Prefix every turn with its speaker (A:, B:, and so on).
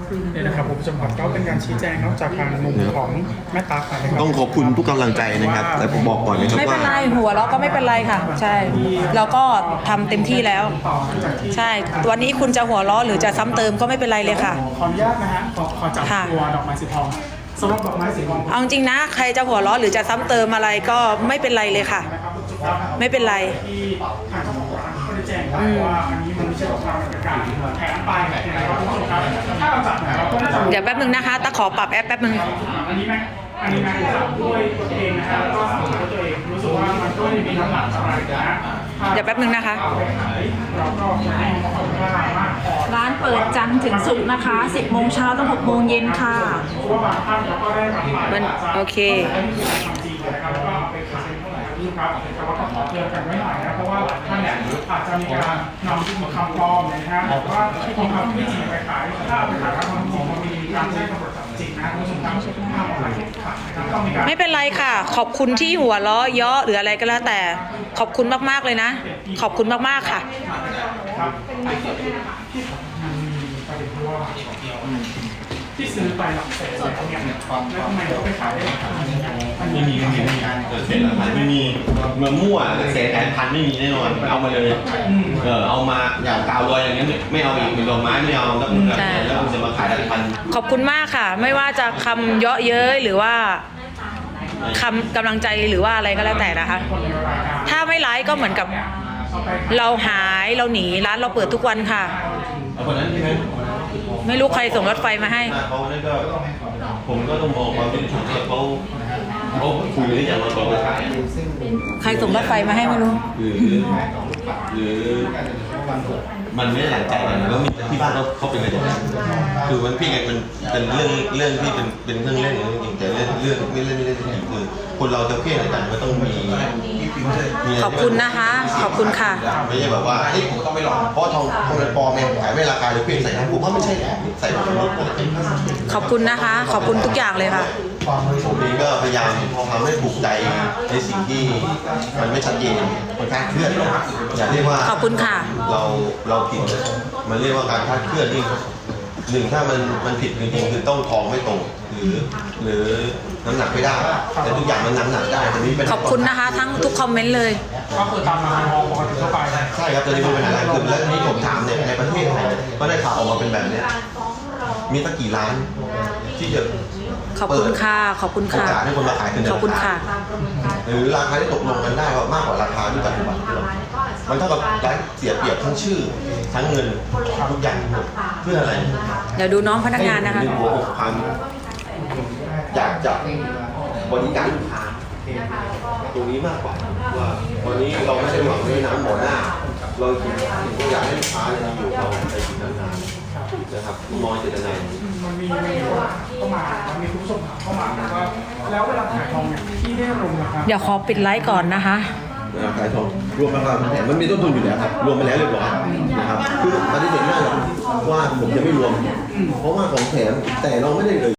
A: เนี่ยนะครับผมผู้ชมครับก็เป็นการชี้แจงนอกจากทางมุมของแม่ตั๊กนะครับ
B: ต้องขอบคุณทุกกำลังใจนะครับแต่ผมบอกก่อนนะครับ
C: ไม่เป็
B: ว่าน
C: ไรหัวเราะก็ไม่เป็นไรค่ะ ใช่เราก็ทำเต็มที่แล้ว ใช่วันนี้คุณจะหัวเราะหรือจะซ้ำเติมก็ไม่เป็นไรเลยค่ะ
A: ขออนุญาตนะฮะขอจับ
C: ค่ะ
A: ตัวดอกไม้สีทองสำหรับดอกไม้สีทอง
C: เอาจริงนะใครจะหัวเราะหรือจะซ้ำเติมอะไรก็ไม่เป็นไรเลยค่ะ ไม่เป็นไร
A: ที่ทางเจ้าของร้านก็ได้แจ้งครับว่าอันนี้มันไม่ใช่ของเราเป็นการแถมไปนะครับคุณผู้ชมครับถ้าเราจัดเนี่ยเราก็น่าจะ
C: เดี๋ยวแป๊บนึงนะคะตะขอปรับแอปแป๊บนึง
A: อันนี้แม็กถามด้วยตัวเองนะครับก็ถามด้วยตัวเองรู้สึกว่ามันก็ไม่มีน้ำหนักอะไรนะ
C: เดี๋ยวแป๊บนึงนะคะ
A: เราก็ให้ความค่ามากพอ
D: ร้านเปิดจันทร์ถึงศุกร์นะคะ 10 โมงเช้าถึง 6 โมงเย็นค่ะ
A: เพราะว่าบางท่านเราก็ได้รับไป
C: มันโอเค
A: ทำจริงนะครับแล้วก็เอาไปขายครับแต่ว่าต้องขอเตือนกันไว้หน่อยนะเพราะว่าหลายท่านเนี่ยอาจจะมีการนำคำปลอมนะครับหรือว่าทองคำที่จริงไปขายถ้าเอาไปขายแล้วมันจริงมันมีการใช้ตำรวจจับจริงนะคุณผู้ชมครับห้ามเอาไปขายนะครับต้องมีการ
C: ไม่เป็นไรค่ะ ขอบคุณที่หัวเราะเยาะหรืออะไรก็แล้วแต่ ขอบคุณมากๆเลยนะ ขอบคุณมากๆค่ะ
A: ครับที่ซื้อไปหลักแสนแล้วเนี่ยแล้วทำไมเขาไปขายได้หลักพัน
B: ไม่มีเศษหลักฐานไม่มีเมื่อมั่วเศษพันไม่มีแน่นอนเอามาเลยเอามาอย่างกาวลอยอย่างนี้ไม่เอาอีกเป็นดอกไม้ไม่เอาแล้วคุณจะมาขายหลักพัน
C: ขอบคุณมากค่ะ ไม่ว่าจะคำเยาะเย้ยหรือว่าคำกำลังใจหรือว่าอะไรก็แล้วแต่นะคะ ถ้าไม่ร้ายก็เหมือนกับเราหายเราหนีร้านเราเปิดทุกวันค่ะ
B: เอาคนนั้นใช่ไหม
C: ไม่รู้ใครส่งรถไฟมาให้
B: เขาเนี่ยก็ผมก็ต้องมองความเป็นธรรมเขาคุยหรือยังมาบอกว่าขาย
C: ใครส่งรถไฟมาให้ไม่รู้
B: หรือมันไม่ได้หลังใจกันแล้วมีที่บ้านเขาเป็นอะไรอย่างนี้คือมันพี่ไงมันเป็นเรื่องที่เป็นเครื่องเล่นจริงแต่เรื่องไม่เล่นจริงคือคนเราจะเพี้ยนอะไรกันมันต้องมี
C: ขอบคุณนะคะ ขอบคุณค่ะ
B: ไม่ใช่แบบว่าเฮ้ยผมต้องไปหลอกเพราะทองมันปลอมเองขายไม่ราคาหรือเพี้ยนใส่น้ำผมว่าไม่ใช่แหละใส่ผงปกติ
C: ขอบคุณนะคะ ขอบคุณทุกอย่างเลยค่ะ
B: ผมเองก็พยายามทำให้ปลุกใจในสิ่งที่มันไม่ชัดเจนมันคลาดเคลื่อนอย่าเรียกว่า
C: ขอบคุณค่ะ
B: เราผิดมันเรียกว่าการคลาดเคลื่อนนี่หนึ่งถ้ามันผิดจริงๆคือต้องทองไม่ตรงหรือน้ำหนักไม่ได้แต่ทุกอย่างมันน้ำหนักได้แต่นี้เป็น
C: ขอบคุณนะคะ ทั้งทุกคอมเมนต์เลย
A: ก็คือตามราคาทองปกติทั่วไป
B: ใช่ครับตอนนี้มันเป็นอะไรคือแล้วที่ผมถามเนี่ยในประเทศไทยก็ได้ข่าวออกมาเป็นแบบนี้มีตั้งกี่ร้านที่จะ
C: ขอบคุณค่ะ ขอบคุณ
B: โอ
C: ค่ะ
B: กาสให้คนมาขายขึ้น
C: ขอบคุณค่ะ
B: หรือราคาที่ตกลงกันได้ว่ามากกว่าราคาที่ปัจจุบันที่เรามันเท่ากับร้านเสียเปรียบทั้งชื่อทั้งเงินทุกอย่างเพื่ออะไร
C: เดี๋ยวดูน้องพนักงานนะคะ
B: เรื่องหัวอกความอยากจะบริการลูกค้าตรงนี้มากกว่าว่าวันนี้เราไม่ได้หวังด้วยน้ำหมอหน้าเราอยากให้ลูกค้าเนี่ยอยู่เราไปกินนานๆนะครับมองเจตนา
A: มันมีเข้ามามันมีคุณผู้ชมถามเข้ามาว่าแล้วเวลาขายทองเนี่ยที่ได้ลงนะครับ
C: เดี๋ยวขอปิดไลฟ์ก่อนนะคะ
B: ขายทองรวมราคาแถมมันมีต้นทุนอยู่แล้วครับรวมไปแล้วเรียบร้อยนะครับคือปฏิเสธไม่ได้หรอกว่าผมจะไม่รวมเพราะว่าของแถมแต่เราไม่ได้เลย